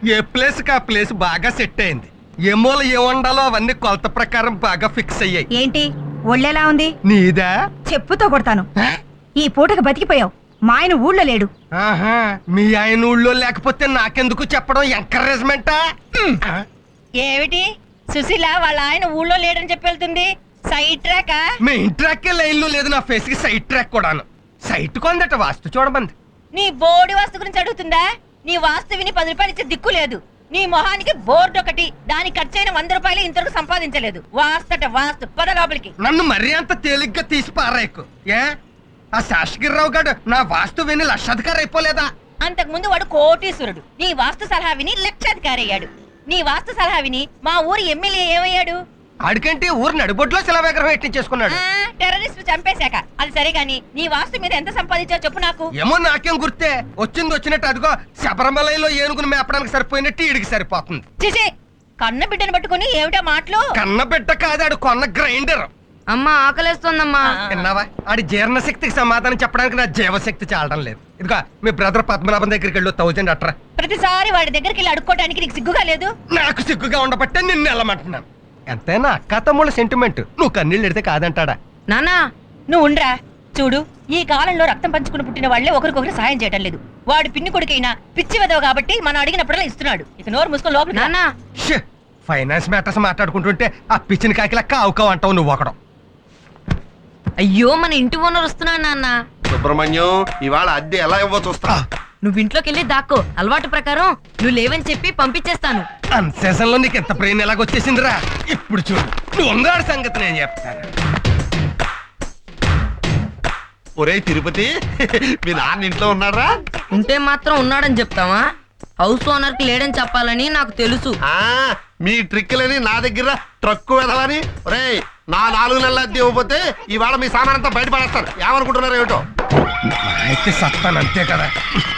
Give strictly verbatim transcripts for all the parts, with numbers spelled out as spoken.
ఏ place కా place బాగా set అయింది. ఏ మూల ఏ వండాలో అవన్నీ కొలత ప్రకారం బాగా ఫిక్స్ అయ్యాయి. ఏంటి ఒళ్ళెలా ఉంది? నీదా? చెప్పుతో కొడతాను. ఈ పూటకు బతికిపోయావు. మా ఆయన ఊళ్ళో లేడు. ఆహా, మీ ఆయన ఊళ్ళో లేకపోతే నాకెందుకు చెప్పడం? ఎంకరేజ్మెంటా? ఏమిటి సుశీల వాళ్ళ ఆయన ఊళ్ళో లేడని చెప్పి వెళ్తుంది? Side track? Main track line లో లేదు, నా ఫేస్ కి సైడ్ ట్రాక్ కూడాను. సైట్ కొందట వాస్తు చూడమంది. నీ బోర్డు వాస్తు గురించి అడుగుతుందా? నీ వాస్తు విని పది రూపాయలు ఇచ్చే దిక్కు లేదు. నీ మొహానికి బోర్డు ఒకటి, దానికి ఖర్చైన వంద రూపాయలు ఇంతవరకు సంపాదించలేదు. వాస్తట వాస్తు, పద లోపలికి. నన్ను మరీ అంత తేలిగ్గా తీసి పారాయకు. ఏ ఆ శాసగిరిరావు గారు నా వాస్తు విని లక్షాధికారి అయిపోలేదా? అంతకు ముందు వాడు కోటీశ్వరుడు. నీ వాస్తు సలహా విని లక్షాధికారి అయ్యాడు. నీ వాస్తు సలహా విని మా ఊరి ఎమ్మెల్యే ఏమయ్యాడు? ఆడికంటే ఊరు నడిబొడ్లో శిలా విగ్రహం ఎట్టించేసుకున్నాడు. టెర్రరిస్ట్ చంపేశాక. అది సరే గాని నీ వాస్తు మీద ఎంత సంపాదించావు చెప్పు నాకు. ఏమో నాకేం గుర్తే, వచ్చింది వచ్చినట్టు అదిగో శబరిమలలో ఏనుగును మేపడానికి సరిపోయినట్టు ఈడికి సరిపోతుంది. చిచి, కన్న బిడ్డను పట్టుకుని ఏమిటా మాటలు? కన్న బిడ్డ కాదాడు, కొన్న గ్రైండర్. అమ్మా ఆకలేస్తోందమ్మా. విన్నావా? ఆడి జీర్ణశక్తికి సమాధానం చెప్పడానికి నా జీవశక్తి చాలడం లేదు. ఇదిగో మీ బ్రదర్ పద్మనాభం దగ్గరికి వెళ్ళు, థౌజండ్ అట్రా. ప్రతిసారి వాడి దగ్గరికి వెళ్ళి అడుక్కోవడానికి నీకు సిగ్గుగా లేదు? నాకు సిగ్గుగా ఉండబట్టే నిన్ను వెళ్ళమంటున్నాను. ఎంతైనా అక్క తమ్ముళ్ళ సెంటిమెంట్, నువ్వు కన్నీళ్ళు ఎడితే కాదంటాడా? నానా నువ్వు ఉండ్రా. చూడు, ఈ కాలంలో రక్తం పంచుకుని పుట్టిన వాళ్లే ఒకరికొకరు సాయం చేయటం లేదు. వాడు పిన్ని కొడుకైనా పిచ్చి వెదవ కాబట్టి మనం అడిగినప్పుడల్లా ఇస్తున్నాడు. ఇక నోరు మూసుకొని లోపలికి రా. నానా ష్, ఫైనాన్స్ మ్యాటర్స్ మాట్లాడుకుంటుంటే ఆ పిచ్చిన కాకిలా కావుకావు అంటావు నువ్వు ఒకడం. అయ్యో మన ఇంటి ఓనర్ వస్తున్నాడు నాన్న. సుబ్రహ్మణ్యం, ఇవాళ అద్దె ఎలా ఇవ్వ చూస్తా. నువ్వు ఇంట్లోకి వెళ్ళి దాక్కో. అలవాటు ప్రకారం నువ్వు లేవని చెప్పి పంపించేస్తాను. అన్ సీజన్ లో నీకు ఎంత ప్రేమ ఎలాగొచ్చేసిందిరా? ఇప్పుడు చూడు, నువ్వు ఉన్నాడు సంగతి నేను చెప్తాను. ఒరే తిరుపతి, మీ నాన్న ఇంట్లో ఉన్నారా? ఉంటే మాత్రం ఉన్నాడని చెప్తావా? హౌస్ ఓనర్ కి లేడని చెప్పాలని నాకు తెలుసు. ఆ మీ ట్రిక్లని నా దగ్గర ట్రక్కు వెదవని. ఒరే, నా నాలుగు నెలల అద్దె ఇవ్వకపోతే ఇవాళ మీ సామాన్ అంతా బయటపడేస్తాను. ఏమనుకుంటున్నారు ఏమిటో? అయితే సత్తాను అంతే కదా.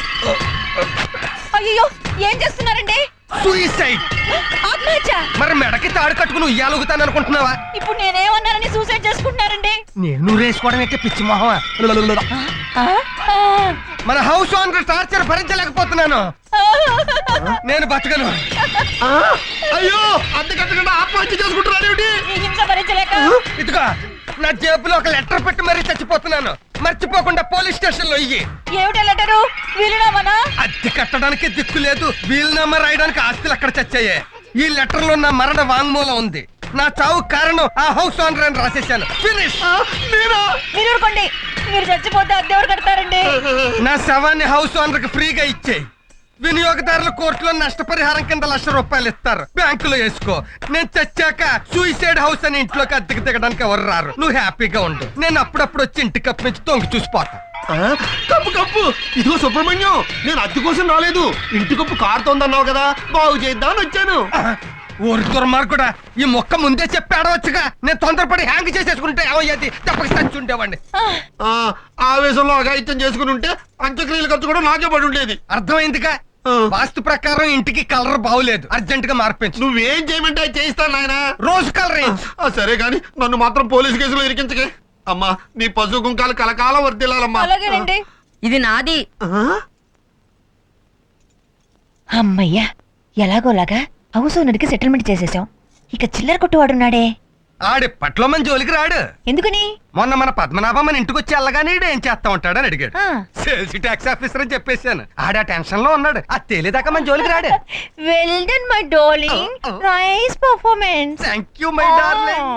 అయ్యో, ఏం చేస్తున్నారండి? సూసైడ్. ఆత్మహత్య? మరి మెడకి తాడు కట్టుకుని ఉయ్యాలుగుతాను అనుకుంటున్నావా? ఇప్పుడు నేనేమన్నానని సూసైడ్ చేసుకుంటున్నారండి? నేను రేసుకోవడం అయితే పిచ్చి మొహమా? ఆ? ఆ. మన హౌస్ ఓనర్ టార్చర్ భరించలేకపోతున్నాను. నేను బతకను. ఆ, అయ్యో, అద్దె కట్టకుండా ఆత్మహత్య చేసుకుంటున్నారు ఏమిటి? ఈ హింస భరించలేక ఇదిగో నా జేబులో ఒక లెటర్ పెట్టి మరీ చచ్చిపోతున్నాను. మర్చిపోకుండా పోలీస్ స్టేషన్ లో ఇయ్యి. ఏమిటా లెటరు? వీలునామానా? అద్దె కట్టడానికి దిక్కు లేదు, వీలునామా రాయడానికి ఆస్తులు అక్కడ చచ్చాయి. ఈ లెటర్ లో నా మరణ వాంగ్మూలం ఉంది. నా చావు కారణం ఆ హౌస్ ఓనర్ అని రాసేసాను. ఫినిష్. నేనా? మీరు ఊరుకోండి. మీరు చచ్చిపోతే అద్దెవరు కడతారండి? నా శవాన్ని హౌస్ ఓనర్ కి ఫ్రీగా ఇచ్చేయి. వినియోగదారుల కోర్టులో నష్టపరిహారం కింద లక్ష రూపాయలు ఇస్తారు, బ్యాంకులో వేసుకో. నేను చచ్చాక సూసైడ్ హౌస్ అని ఇంట్లోకి అద్దెకి దిగడానికి ఎవరు రారు. నువ్వు హ్యాపీగా ఉండు. నేను అప్పుడప్పుడు వచ్చి ఇంటి కప్పు నుంచి తొంగి చూసిపోతా. ఆ, కప్పు కప్పు. ఇదిగో సుబ్రహ్మణ్యం, నేను అద్దె కోసం రాలేదు. ఇంటి కప్పు కారుతోందన్నావు కదా, బాగు చేద్దామని వచ్చాను. ఊరి దుర్మార్గుడా, ఈ మొక్క ముందే చెప్పి ఆడవచ్చుగా. నేను తొందరపడి హ్యాంగ్ చేసేసుకుంటే ఏమయ్యేది? తప్పక చచ్చి ఉండేవాడిని. ఆ, ఆవేశంలో అఘాయిత్యం చేసుకుని ఉంటే అంత్యక్రియల ఖర్చు కూడా నాకే పడి ఉండేది. అర్థమైందిగా? ఆ. వాస్తు ప్రకారం ఇంటికి కలర్ బాగులేదు, అర్జెంట్ గా మార్పించు. నువ్వేం చేయమంటే అది చేయిస్తాను నాయన. రోజు కలర్ వేయించు. ఆ, సరే గాని నన్ను మాత్రం పోలీసు కేసులో ఇరికించకే. అమ్మా, నీ పశు కుంకాలు కలకాలం వర్దిల్లాలమ్మా. అలాగేనండి. ఇది నాది. ఆ? అమ్మయ్యా, ఎలాగోలాగా హౌస్ ఓనర్ కి సెటిల్మెంట్ చేసేసాం. ఇక చిల్లర కొట్టువాడున్నాడే, ఆడి పట్లో మన జోలికి రాడు. ఎందుకని? మొన్న మన పద్మనాభం మన ఇంటికి వచ్చి వెళ్ళగానే ఈడు ఏం చేస్తా ఉంటాడని అడిగాడు. ఆ. సేల్స్ ట్యాక్స్ ఆఫీసర్ అని చెప్పేశాను. ఆడ టెన్షన్ లో ఉన్నాడు. అది తేలేదాకా మన జోలికి రాడు. Well done my darling, Oh, oh. Nice performance. Thank you my darling.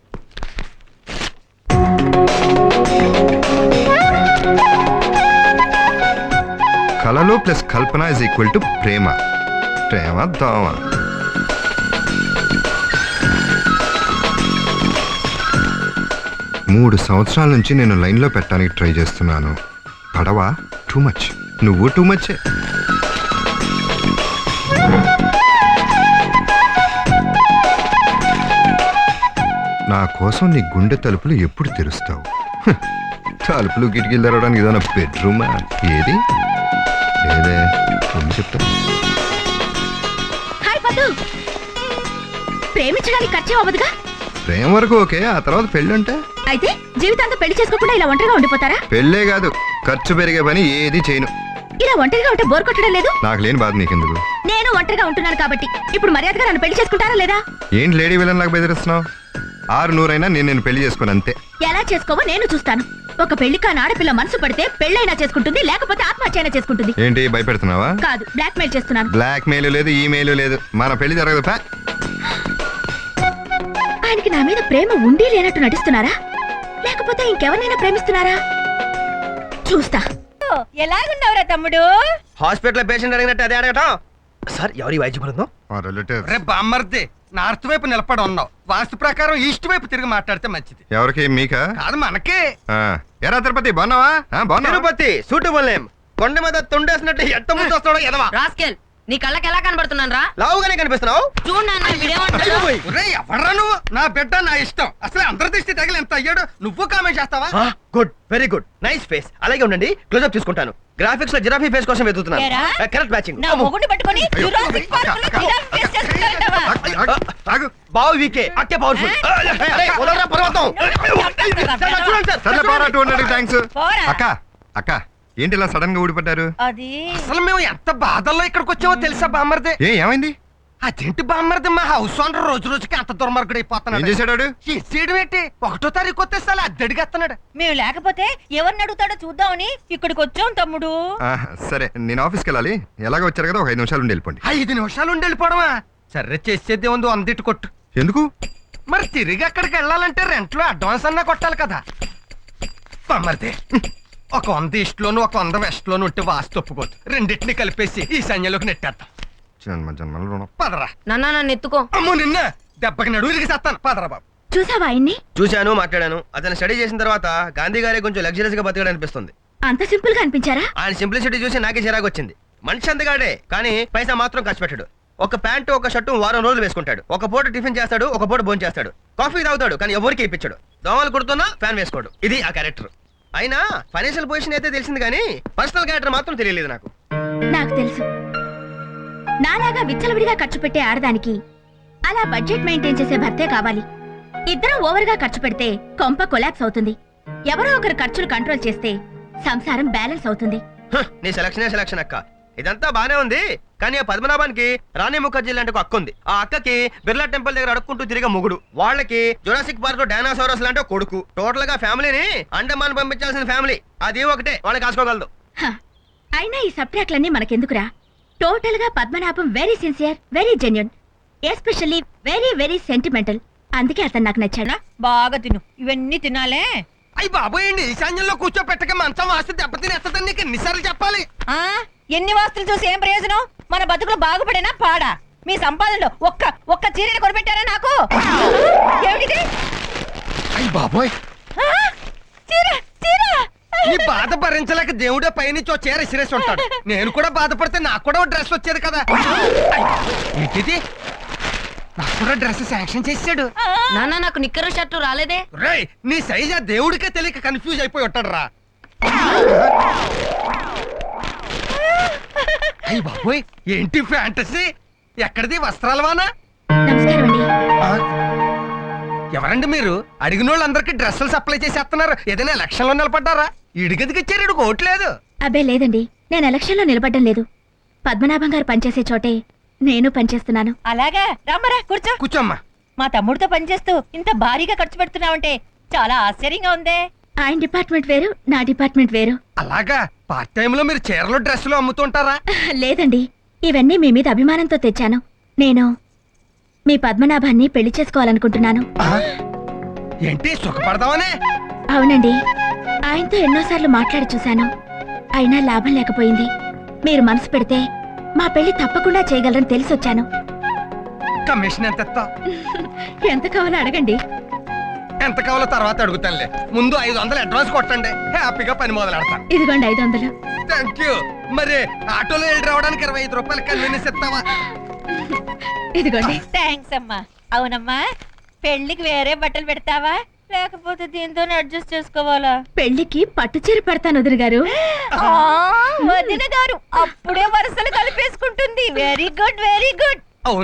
కళలు ప్లస్ కల్పన ఇస్ ఈక్వల్ టు ప్రేమ. ప్రేమ దోమ. మూడు సంవత్సరాల నుంచి నేను లైన్లో పెట్టడానికి ట్రై చేస్తున్నాను. పడవ టూ మచ్, నువ్వు టూ మచ్చే. నా కోసం నీ గుండె తలుపులు ఎప్పుడు తెరుస్తావు? హ్, తలుపులు కిటికీలు తెరవడానికి ఏదైనా బెడ్రూమా? ఏది లేదే, ఏం చెప్తా? హాయ్ పద్దు, ప్రేమించడానికి ఖర్చు అవ్వదుగా? ప్రేమ వరకు ఓకే, ఆ తర్వాత పెళ్ళి అంటే? అయితే జీవితాంతం పెళ్లి చేసుకోకుండా ఇలా ఒంటరిగా ఉండిపోతారా? పెళ్ళే కాదు, ఖర్చు పెరిగే పని ఏది చేయను. ఇలా ఒంటరిగా ఉంటే బోర్ కొట్టడం లేదు? నాకు లేని బాధ నీకెందుకు? నేను ఒంటరిగా ఉంటున్నాను కాబట్టి ఇప్పుడు మర్యాదగా నన్ను పెళ్లి చేసుకుంటారా లేదా? ఏంటి లేడీ విలన్ లాగా బెదిరిస్తున్నావు? ఆరు నూరైనా నేను నేను పెళ్లి చేసుకోను అంతే. ఎలా చేసుకోవో నేను చూస్తాను. ఒక పెళ్లి కాని ఆడపిల్ల మనసు పడితే పెళ్ళైనా చేసుకుంటుంది, లేకపోతే ఆత్మహత్య అయినా చేసుకుంటుంది. ఏంటి భయపెడుతున్నావా? కాదు, బ్లాక్ మెయిల్ చేస్తున్నాను. బ్లాక్ మెయిల్ లేదు, ఈమెయిల్ లేదు, మన పెళ్లి జరగదు. పా. ఆయనకి నా మీద ప్రేమ ఉండి లేనట్టు నటిస్తున్నారా, లేకపోతే ఇంకెవరినైనా ప్రేమిస్తున్నారా? చూస్తా. ఎలాగున్నావురా తమ్ముడు? హాస్పిటల్ పేషెంట్ అడిగినట్టు అదే అడగటం. సార్ ఎవరి వైద్య బృందం? మా రిలేటివ్స్. రే బామ్మర్ది, నార్త్ వైపు నిలబడి ఉన్నావు. వాస్తు ప్రకారం ఈస్ట్ వైపు తిరిగి మాట్లాడితే మంచిది. ఎవరికి? మీకా? కాదు, మనకే. ఆ, ఎరా తిరుపతి బాగున్నావా? ఆ, బాగున్నావా? Tirupati suitable name. కొండ మీద తుండేసినట్టు ఎంత ముందు వస్తాడో ఎదవా. రాస్కెల్, నీ కళ్ళకి ఎలా కనబడుతున్నాను రా? లావుగానే కనిపిస్తున్నావు. చూడు నాన్న వీడేమంటాడు. ఒరేయ్, ఎవడ్రా నువ్వు? నా బిడ్డ నా ఇష్టం. అసలు అందరి దృష్టి తగిలి ఎంత అయ్యాడు. నువ్వు కామెంట్ చేస్తావా? Good, very good, nice face. అలాగే ఉండండి, క్లోజ్అప్ తీసుకుంటాను. గ్రాఫిక్స్ లో జిరాఫీ ఫేస్ కోసం వెతుకుతున్నాను. ఏరా? Correct matching. నా మొగుడిని పట్టుకొని జురాసిక్ పార్క్ లో జిరాఫీ ఫేస్ చేసుకుంటారంటావా? ఆగు. బావు వీకే, అక్కే పవర్ఫుల్. పర్వతం. సర్లే పోరా, టూ హండ్రెడ్ థ్యాంక్స్. పోరా. అక్క అక్క ఏంటి ఇలా సడన్ గా ఊడిపడ్డారు? అది అసలు మేము ఎంత బాధల్లో ఇక్కడికి వచ్చామో తెలుసా బామ్మర్ది? ఏ ఏమైంది? అదేంటి బామ్మర్ది, మా హౌస్ ఓనర్ రోజు రోజుకి అంత దుర్మార్గుడు ఏం అయిపోతున్నాడు. చేశాడు వాడు? చేయడం ఏంటి? ఒకటో తారీఖు వచ్చేసాలి అద్దెడిగేస్తున్నాడు. మేము లేకపోతే ఎవరిని అడుగుతాడో చూద్దామని ఇక్కడికి వచ్చాం తమ్ముడు. ఆ, సరే నేను ఆఫీస్కి వెళ్ళాలి. ఎలాగో వచ్చారు కదా, ఒక ఐదు నిమిషాలు ఉండి వెళ్ళిపోండి. ఐదు నిమిషాలు ఉండి వెళ్ళిపోవడమా? సరే, చేసేది ఉంది, వందిట్టు కొట్టు. ఎందుకు? మరి తిరిగి అక్కడికి వెళ్ళాలంటే రెంట్ లో అడ్వాన్స్ అన్నా కొట్టాలి కదా. బామ్మర్ది, ఒక వంద ఈస్ట్ లోను ఒక వంద వెస్ట్ లోను ఉంటే వాస్తు ఒప్పుకోదు. రెండింటిని కలిపేసి ఈ సైన్యంలోకి నెట్టేద్దాం. జన్మ జన్మల రుణం. పదరా. నాన్న నన్ను ఎత్తుకో. అమ్మో నిన్న దెబ్బకి నడువు ఇరిగి చేస్తాను. పదరా బాబు. చూసావా ఆయన్ని? చూశాను, మాట్లాడాను. అతను స్టడీ చేసిన తర్వాత గాంధీ గారి కొంచెం లగ్జరీస్ గా బతకడం అనిపిస్తుంది. అంత సింపుల్ గా అనిపించారా? ఆయన సింప్లిసిటీ చూసి నాకే చిరాకు వచ్చింది. మనిషి అందగాడే, కానీ పైసా మాత్రం ఖర్చు పెట్టాడు. ఒక ప్యాంటు ఒక షర్టు వారం రోజులు వేసుకుంటాడు. ఒక పూట టిఫిన్ చేస్తాడు, ఒక పూట భోజనం చేస్తాడు. కాఫీ తాగుతాడు, కానీ ఎవరికి ఇప్పించాడు. దోమలు కుడుతున్నా ఫ్యాన్ వేసుకోడు. ఇది ఆ క్యారెక్టర్. అయినా ఫైనాన్షియల్ పొజిషన్ అయితే తెలిసింది, కానీ పర్సనల్ క్యారెక్టర్ మాత్రం తెలియలేదు నాకు. నాకు తెలుసు. నాలాగా విచ్చలవిడిగా ఖర్చు పెట్టే ఆడదానికి అలా బడ్జెట్ మెయింటైన్ చేసే భర్తే కావాలి. ఇద్దరం ఓవర్ గా ఖర్చు పెడితే కొంప కొలాప్స్ అవుతుంది. ఎవరో ఒకరు ఖర్చులు కంట్రోల్ చేస్తే సంసారం బ్యాలెన్స్ అవుతుంది. హ, నీ సెలక్షనే సెలక్షన్ అక్క. ఇదంతా బానే ఉంది, కానీ ఆ పద్మనాభానికి రాణి ముఖర్జీ లాంటి ఒక అక్క ఉంది. ఆ అక్కకి బిర్లా టెంపుల్ దగ్గర అడుక్కుంటూ తిరిగే మొగుడు. వాళ్ళకి జురాసిక్ పార్క్ లో డైనాసోరస్ లాంటి ఒక కొడుకు. టోటల్ గా ఫ్యామిలీని అండమాన్ పంపించాల్సిన ఫ్యామిలీ. అది ఒకటే వాళ్ళకి కాసుకోగలదు. హ, అయినా ఈ సబ్ట్రాక్ట్లన్నీ మనకెందుకురా? టోటల్ గా Padmanabham very sincere, very genuine, especially very very sentimental. అందుకే అతను నాకు నచ్చాడు. బాగా తిను, ఇవన్నీ తినాలే. అయ్యి బాబోయండి, ఈశాన్యంలో కూర్చోపెట్టక మంచం వాస్తు దెబ్బతినేస్తుందని నీకు ఎన్నిసార్లు చెప్పాలి? ఆ ఎన్ని వాస్తులు చూసి ఏం ప్రయోజనం? మన బతుకులు బాగుపడేనా పాడా? మీ సంపాదనలో ఒక్క ఒక్క చీరని కొనిపెట్టారా నాకు? ఏమిటిది? అయ్యి బాబోయ్, ఆ, చీర చీర. ఈ బాధ భరించలేక దేవుడే పైనుంచి ఓ చీర ఇసిరేసి ఉంటాడు. నేను కూడా బాధపడితే నాకు కూడా ఓ డ్రెస్ వచ్చేది కదా. అయ్, ఏంటిది? నాకు కూడా డ్రెస్ శాంక్షన్ చేసాడు. నాన్న నాకు నిక్కరు షర్టు రాలేదే. రేయ్, నీ సైజ్ ఆ దేవుడికే తెలియక కన్ఫ్యూజ్ అయిపోయి ఉంటాడు రా. అయ్యి బాబోయ్, ఏంటి ఫ్యాంటసీ? ఎక్కడిది వస్త్రాల వానా? నమస్కారం అండి. ఆ? ఎవరండి మీరు? అడిగిన వాళ్ళందరికీ డ్రెస్సులు సప్లై చేసేస్తున్నారు. ఏదైనా ఎలక్షన్ లో నిలబడ్డారా? ఇడిగదికి ఇచ్చారు, ఇడికి ఓట్లేదు. అబ్బే లేదండి, నేను ఎలక్షన్ లో నిలబడ్డం లేదు. పద్మనాభం గారు పనిచేసే చోటే నేను పనిచేస్తున్నాను. అలాగా, రమ్మరా కూర్చో. కూర్చోమ్మా. మా తమ్ముడితో పనిచేస్తూ ఇంత భారీగా ఖర్చు పెడుతున్నావంటే చాలా ఆశ్చర్యంగా ఉందే. ఆయన డిపార్ట్మెంట్ వేరు, నా డిపార్ట్మెంట్ వేరు. అలాగా, పార్ట్ టైమ్ లో మీరు చీరలు డ్రెస్సులు అమ్ముతుంటారా? లేదండి, ఇవన్నీ మీ మీద అభిమానంతో తెచ్చాను. నేను మీ పద్మనాభాన్ని పెళ్లి చేసుకోవాలనుకుంటున్నాను. ఆ? ఏంటి, సుఖపడదామనే? అవునండి, ఆయనతో ఎన్నోసార్లు మాట్లాడి చూశాను, అయినా లాభం లేకపోయింది. మీరు మనసు పెడితే మా పెళ్లి తప్పకుండా చేయగలరని తెలిసొచ్చాను. కమిషన్ ఎంత ఇస్తావ్? ఎంత కావాలో అడగండి. ఎంత కావాలో తర్వాత అడుగుతానులే. ముందు ఐదు వందలు అడ్వాన్స్ కొట్టండి, హ్యాపీగా పని మొదలు పెడతాను. ఇదిగోండి ఐదు వందలు. Thank you. మరి ఆటోలో వెళ్ళి రావడానికి ఇరవై ఐదు రూపాయలు కన్వీనియన్స్ ఇస్తావా? ఇదిగోండి. థ్యాంక్స్ అమ్మా. అవునమ్మా, పెళ్లికి వేరే బట్టలు పెడతావా, లేకపోతే దీంతోనే అడ్జస్ట్ చేసుకోవాలా? పెళ్లికి పట్టు చీర పెడతాను వదిన గారు. ఆ, వదిన గారు అప్పుడే వరుసలు కలిపేసుకుంటుంది. Very good, very good. అవును,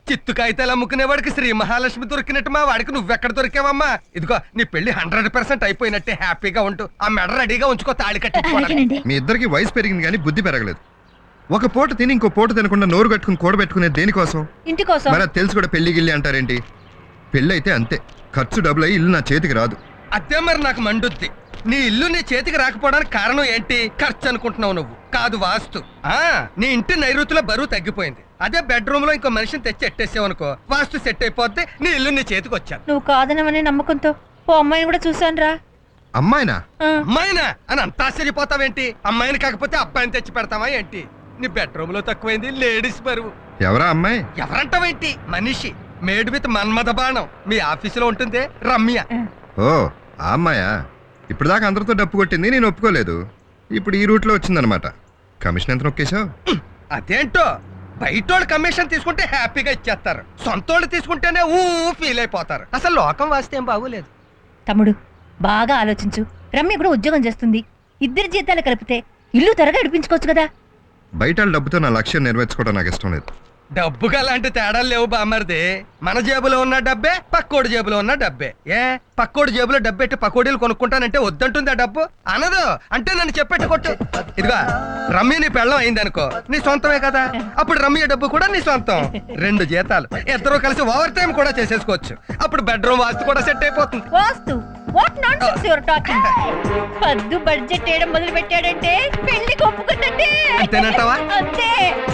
చిత్తు కాగితాలు అమ్ముకునే వాడికి శ్రీ మహాలక్ష్మి దొరికినట్టు మా వాడికి నువ్వెక్కడ దొరికావమ్మా? ఇదిగో నీ పెళ్లి హండ్రెడ్ పర్సెంట్ అయిపోయినట్టే హ్యాపీగా ఉంటూ ఆ మెడ రెడీగా ఉంచుకో తాళి కట్టించుకోవడానికి. అలాగేనండి. మీ ఇద్దరికి వయసు పెరిగింది కానీ బుద్ధి పెరగలేదు. ఒక పూట తిని ఇంకో పూట తినకుండా నోరు కట్టుకుని కూడబెట్టుకునే దేనికోసం? ఇంటి కోసం. మరి అది తెలిసి కూడా పెళ్లి గిల్లి అంటారేంటి? పెళ్ళి అయితే అంతే, ఖర్చు డబ్బులు అయ్యి ఇల్లు నా చేతికి రాదు. అదే మరి నాకు మండుద్ది. నీ ఇల్లు నీ చేతికి రాకపోవడానికి కారణం ఏంటి? ఖర్చు అనుకుంటున్నావు నువ్వు, కాదు వాస్తు. ఆ నీ ఇంటి నైరుతిలో బరువు తగ్గిపోయింది. అదే బెడ్రూమ్ లో ఇంకో మనిషిని తెచ్చి ఎట్టేసావు అనుకో, వాస్తు సెట్ అయిపోద్ది, నీ ఇల్లు నీ చేతికి వచ్చాను. నువ్వు కాదనమనే నమ్మకంతో ఓ అమ్మాయిని కూడా చూసాను రా. అమ్మాయినా? అమ్మాయినా అని అంత ఆశ్చర్యపోతావేంటి? అమ్మాయిని కాకపోతే అబ్బాయిని తెచ్చి పెడతావా ఏంటి? నీ బెడ్రూమ్ లో తక్కువైంది లేడీస్ బరువు. ఎవరా అమ్మాయి? ఎవరంటావేంటి? మనిషి, మేడ్ విత్ మన్మథ బాణం. మీ ఆఫీసులో ఉంటుంది రమ్య. ఓ ఆ అమ్మాయా? ఇప్పుడు దాకా అందరితో డప్పు కొట్టింది, నేను ఒప్పుకోలేదు. ఇప్పుడు ఈ రూట్లో వచ్చిందనమాట. కమిషన్ ఎంత నొక్కేశావు? అదేంటో, బయటోళ్ళు కమిషన్ తీసుకుంటే హ్యాపీగా ఇచ్చేస్తారు, సొంతోళ్ళు తీసుకుంటేనే ఊ ఫీల్ అయిపోతారు. అసలు లోకం వాస్తే ఏం బాగోలేదు. తమ్ముడు బాగా ఆలోచించు. రమ్య కూడా ఉద్యోగం చేస్తుంది. ఇద్దరి జీతాలు కలిపితే ఇల్లు త్వరగా ఇడిపించుకోవచ్చు కదా. బయట వాళ్ళ డబ్బుతో నా లక్ష్యం నెరవేర్చుకోవడం నాకు ఇష్టం లేదు. డబ్బుగా అలాంటి తేడాలు లేవు బామ్మర్ది. మన జేబులో ఉన్న డబ్బే పక్కోడి జేబులో ఉన్న డబ్బే. ఏ పక్కోడి జేబులో డబ్బెట్టి పకోడీలు కొనుక్కుంటానంటే వద్దంటుంది ఆ డబ్బు? అనదు. అంటే నన్ను చెప్పెట్టు కొట్టు. ఇదిగా రమ్య నీ పెళ్ళం అయిందనుకో, నీ సొంతమే కదా, అప్పుడు రమ్య డబ్బు కూడా నీ సొంతం. రెండు జీతాలు ఇద్దరు కలిసి ఓవర్ టైం కూడా చేసేసుకోవచ్చు. అప్పుడు బెడ్రూమ్ వాస్తు కూడా సెట్ అయిపోతుంది. Vastu what nonsense your talking. పద్దు బడ్జెట్ వేయడం మొదలు పెట్టాడంటే పెళ్లికి ఒప్పుకుందంటే అంతేనంటావా? అంతే.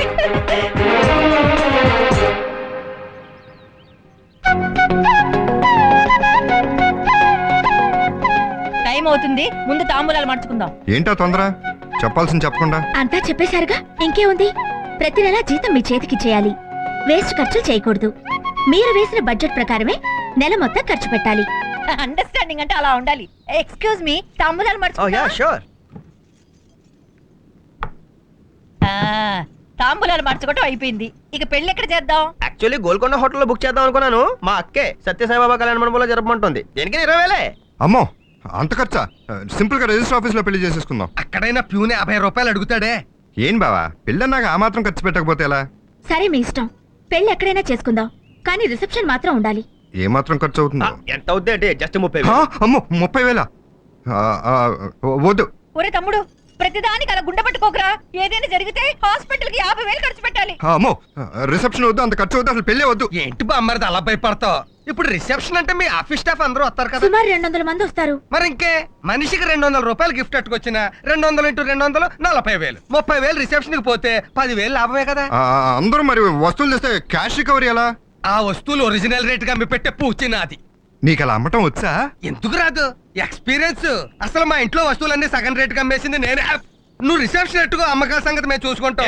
టైం అవుతుంది, ముందు తాంబూలాలు మార్చుకుందాం. ఏంటో తొందర? చెప్పాల్సింది చెప్పకుండా. అంతా చెప్పేశారుగా, ఇంకేముంది? ప్రతి నెలా జీతం మీ చేతికి చేయాలి. వేస్ట్ ఖర్చులు చేయకూడదు. మీరు వేసిన బడ్జెట్ ప్రకారమే నెల మొత్తం ఖర్చు పెట్టాలి. అండర్స్టాండింగ్ అంటే అలా ఉండాలి. ఎక్స్క్యూజ్ మీ, తాంబూలాలు ఓ యా మార్చుకుందాం. షూర్. ఆ, తాంబూలాలు మార్చుకోవటం అయిపోయింది. ఇక పెళ్లి ఎక్కడ చేద్దాం? యాక్చువల్లీ గోల్కొండ హోటల్లో బుక్ చేద్దాం అనుకున్నాను. మా అక్కే సత్యసాయిబాబా కళ్యాణ మండపంలో జరపమంటుంది. దేనికి ఇరవై వేలే. అమ్మో అంత ఖర్చా? సింపుల్ గా రిజిస్టర్ ఆఫీస్ లో పెళ్లి చేసేసుకుందాం. అక్కడైనా ప్యూనే యాభై రూపాయలు అడుగుతాడే. ఏం బావా, పెళ్ళన్నాక ఆ మాత్రం ఖర్చు పెట్టకపోతే ఎలా? సరే మీ ఇష్టం, పెళ్లి ఎక్కడైనా చేసుకుందాం, కానీ రిసెప్షన్ మాత్రం ఉండాలి. ఏ మాత్రం ఖర్చు అవుతుందో? ఎంత అవుద్ది అంటే జస్ట్ ముప్పై హా, వేలు. అమ్మో ముప్పై వేల వద్దు. ఒరే తమ్ముడు, ప్రతిదానికి అలా గుండె పట్టుకోకరా. ఏదైనా జరిగితే హాస్పిటల్ కి యాభై వేలు ఖర్చు పెట్టాలి. హా, అమ్మో రిసెప్షన్ వద్దు, అంత ఖర్చు వద్దు, అసలు పెళ్ళే వద్దు. ఏంటి బామ్మర్ది అలా భయపడతావు? ఇప్పుడు రిసెప్షన్ అంటే మీ ఆఫీస్ స్టాఫ్ అందరూ వస్తారు కదా. సుమారు రెండు వందల మంది వస్తారు. మరి ఇంకే, మనిషికి రెండు వందల రూపాయలు గిఫ్ట్ అట్టుకొచ్చిన రెండు వందలు ఇంటూ రెండు వందలు నలభై వేలు. ముప్పై వేలు రిసెప్షన్ కి పోతే పదివేలు లాభమే కదా. ఆ, అందరూ మరి వస్తువులు తెస్తే క్యాష్ రికవరీ ఎలా? ఆ వస్తువులు ఒరిజినల్ రేట్ గా మీ పెట్టే పూచి నాది. నీకు అలా అమ్మటం వచ్చా? ఎందుకు రాదు? ఎక్స్పీరియన్స్. అసలు మా ఇంట్లో వస్తువులన్నీ సగం రేట్ గా అమ్మేసింది నేనే. నువ్వు రిసెప్షన్ ఎట్టుకో, అమ్మకాల సంగతి మేము చూసుకుంటాం.